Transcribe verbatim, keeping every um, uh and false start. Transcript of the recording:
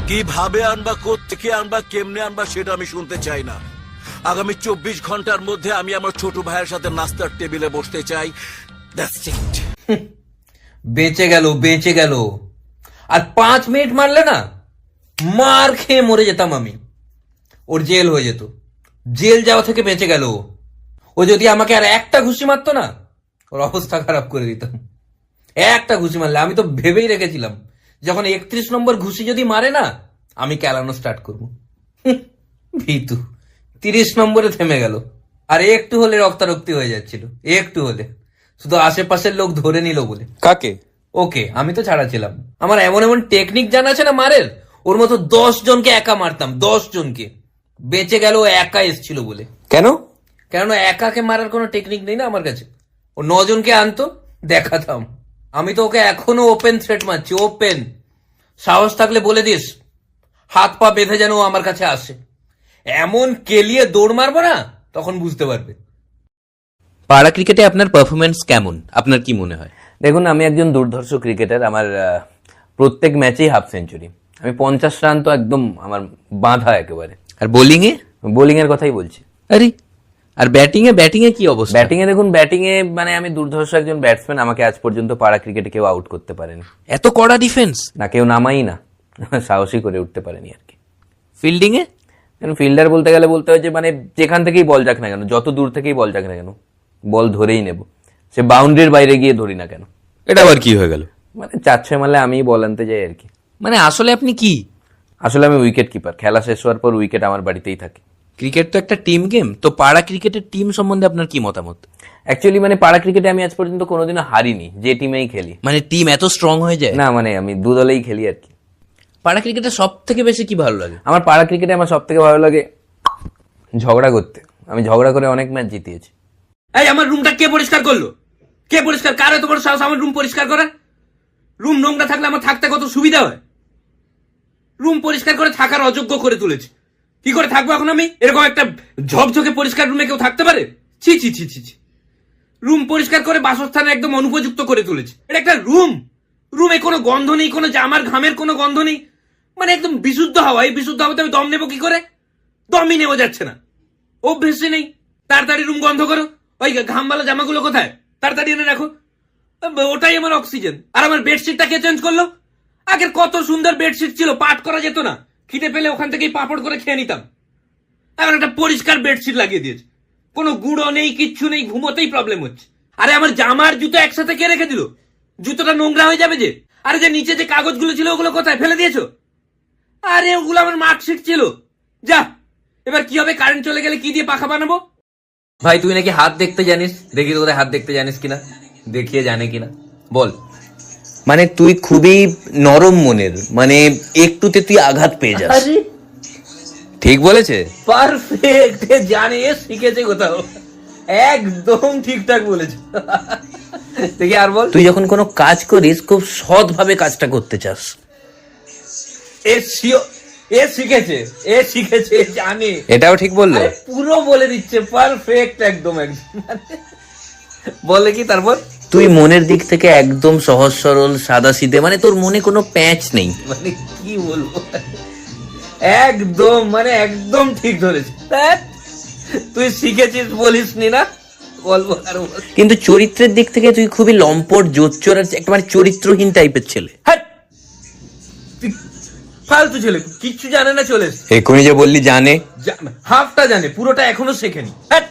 কিভাবে আনবা, কোত্থেকে আনবা, কেমনে আনবা সেটা আমি শুনতে চাই না। আগামী চব্বিশ ঘন্টার মধ্যে আমি আমার ছোট ভাইয়ের সাথে নাস্তার টেবিলে বসতে চাই। That's it. বেঁচে গেল, বেঁচে গেল। আর পাঁচ মিনিট মারলে না, মার খেয়ে মরে যেতাম আমি। ওর জেল হয়ে যেত। জেল যাওয়া থেকে বেঁচে গেল। ও যদি আমাকে আর একটা ঘুষি মারতো না, ওর অবস্থা খারাপ করে দিতাম। একটা ঘুষি মারলে, আমি তো ভেবেই রেখেছিলাম যখন একত্রিশ নম্বর ঘুষি যদি মারে না, আমি ক্যালানো স্টার্ট করবো। ভীতু তিরিশ নম্বরে থেমে গেল। আর একটু হলে রক্তারক্তি হয়ে যাচ্ছিল, একটু হলে। শুধু আশেপাশের লোক ধরে নিল বলে। কাকে? ওকে, আমি তো ছাড়া ছিলাম। আমার এমন এমন টেকনিক জানা আছে না মারের, ওর মতো দশ জনকে একা মারতাম, দশ জনকে। বেঁচে গেল ও একা এসছিল বলে। কেন? কেননা একাকে মারার কোনো টেকনিক নেই না আমার কাছে। ও নজনকে আনতো, দেখাতাম। আমি তো ওকে এখনো ওপেন থ্রেট মারছি, ওপেন। সাহস থাকলে বলে দিস, হাত পা বেঁধে যেন ও আমার কাছে আসে। এমন কেলিয়ে দৌড় মারবো না, তখন বুঝতে পারবে। পাড়া ক্রিকেটে আপনার পারফরমেন্স কেমন, আপনার কি মনে হয়? দেখুন, আমি একজন দুর্ধর্ষ ক্রিকেটার। আমার আহ, প্রত্যেক ম্যাচেই হাফ সেঞ্চুরি। আমি পঞ্চাশ রান তো একদম আমার বাঁধা একেবারে। আর বোলিং এ? বোলিং এর কথাই বলছি। আরে, আর ব্যাটিং এ? ব্যাটিং এ কি অবস্থা? ব্যাটিং এ দেখুন, ব্যাটিং এ মানে আমি দুর্ধর্ষ একজন ব্যাটসম্যান। আমাকে আজ পর্যন্ত পাড়া ক্রিকেটে কেউ আউট করতে পারেনি। এত কড়া ডিফেন্স? না, কেউ নামাই না, সাহসী করে উঠতে পারেনি আর কি। ফিল্ডিং এ? ফিল্ডার বলতে গেলে বলতে হয় যে মানে যেখান থেকেই বল যাক না কেন, যত দূর থেকেই বল যাক না কেন, বল ধরেই নেব। সে বাউন্ডারির বাইরে গিয়ে ধরি না কেন। এটা আবার কি হয়ে গেল? মানে চার ছয় মারলে আমিই বল আনতে যাই আর কি। মানে আসলে আপনি কি? আসলে আমি উইকেট কিপার। খেলা শেষ হওয়ার পর উইকেট আমার বাড়িতেই থাকে। ক্রিকেট তো একটা টিম গেম, তো পাড়া ক্রিকেটের টিম সম্বন্ধে আপনার কি মতামত? অ্যাকচুয়ালি মানে পাড়া ক্রিকেটে আমি আজ পর্যন্ত কোনোদিনও হারিনি, যে টিমেই খেলি। মানে টিম এত স্ট্রং হয়ে যায়? না, মানে আমি দু দলেই খেলি আর কি। পাড়া ক্রিকেটে সব থেকে বেশি কি ভালো লাগে? আমার পাড়া ক্রিকেটে আমার সব থেকে ভালো লাগে ঝগড়া করতে। আমি ঝগড়া করে অনেক ম্যাচ জিতিয়েছি। এই আমার রুমটা কে পরিষ্কার করলো? কে পরিষ্কার? কার এত বড় সাহস আমার রুম পরিষ্কার করে? রুম নোংরা থাকলে আমার থাকতে কত সুবিধা হয়। রুম পরিষ্কার করে থাকার অযোগ্য করে তুলেছে। কি করে থাকবো এখন আমি? এরকম একটা ঝকঝকে পরিষ্কার রুমে কেউ থাকতে পারে? ছি ছি ছি ছি ছি। রুম পরিষ্কার করে বাসস্থানে একদম অনুপযুক্ত করে তুলেছে। এটা একটা রুম। রুমে কোনো গন্ধ নেই, কোনো জামার ঘামের কোনো গন্ধ নেই, মানে একদম বিশুদ্ধ হাওয়া। এই বিশুদ্ধ হাওয়াতে আমি দম নেবো কি করে? দমই নেওয়া যাচ্ছে না, অভ্যেসই নেই। তাড়াতাড়ি রুম বন্ধ করো। ওই ঘামবালা জামাগুলো কোথায়? তাড়াতাড়ি এনে রাখো। ওটাই আমার অক্সিজেন। আর আমার বেডশিটটা কে চেঞ্জ করলো? আগের কত সুন্দর বেডশিট ছিল, পাট করা যেত না। খিদে পেলে ওখান থেকেই পাপড় করে খেয়ে নিতাম। এখন একটা পরিষ্কার বেডশিট লাগিয়ে দিয়েছে, কোনো গুঁড়ো নেই, কিচ্ছু নেই, ঘুমোতেই প্রবলেম হচ্ছে। আরে আমার জামার জুতো একসাথে কে রেখে দিল? জুতোটা নোংরা হয়ে যাবে যে। আরে যে নিচে যে কাগজগুলো ছিল ওগুলো কোথায় ফেলে দিয়েছো? আরে ওগুলো আমার মার্কশিট ছিল। যা, এবার কি হবে? কারেন্ট চলে গেলে কি দিয়ে পাখা বানাবো? ভাই, তুই নাকি হাত দেখতে জানিস, দেখি তো হাত দেখতে জানিস কিনা, দেখিয়ে জানে কিনা বল। মানে তুই খুবই নরম মনের, মানে একটুতে তুই আঘাত পেয়ে যাস। ঠিক বলেছে? পারফেক্ট। জানে, শিখেছে কোথাও। একদম ঠিকঠাক বলেছে। দেখি আর বল। তুই যখন কোনো কাজ করিস খুব সৎ ভাবে কাজটা করতে চাস। এ শিও, এ শিখেছে, এ শিখেছে, এ জানে। এটাও ঠিক বললো? আরে পুরো বলে দিচ্ছে, পারফেক্ট একদম একদম। বলে কি তারপর? তুই মনের দিক থেকে একদম সহজ সরল সাদা সিধে, মানে তোর মনে কোনো প্যাঁচ নেই। মানে কি বলবো, একদম মানে একদম ঠিক ধরেছিস। তুই শিখেছিস বলিস নি না, বলবো আর বল। কিন্তু চরিত্রের দিক থেকে তুই খুবই লম্পট, জোচ্চোর, আর একটা মানে চরিত্রহীন টাইপের ছেলে। হ্যাঁ, তুই ফালতু ছেলে, কিচ্ছু জানে না। চলে এক্ষুনি যে বললি জানে, হাফটা জানে, পুরোটা এখনো শেখেনি। হ্যাঁ,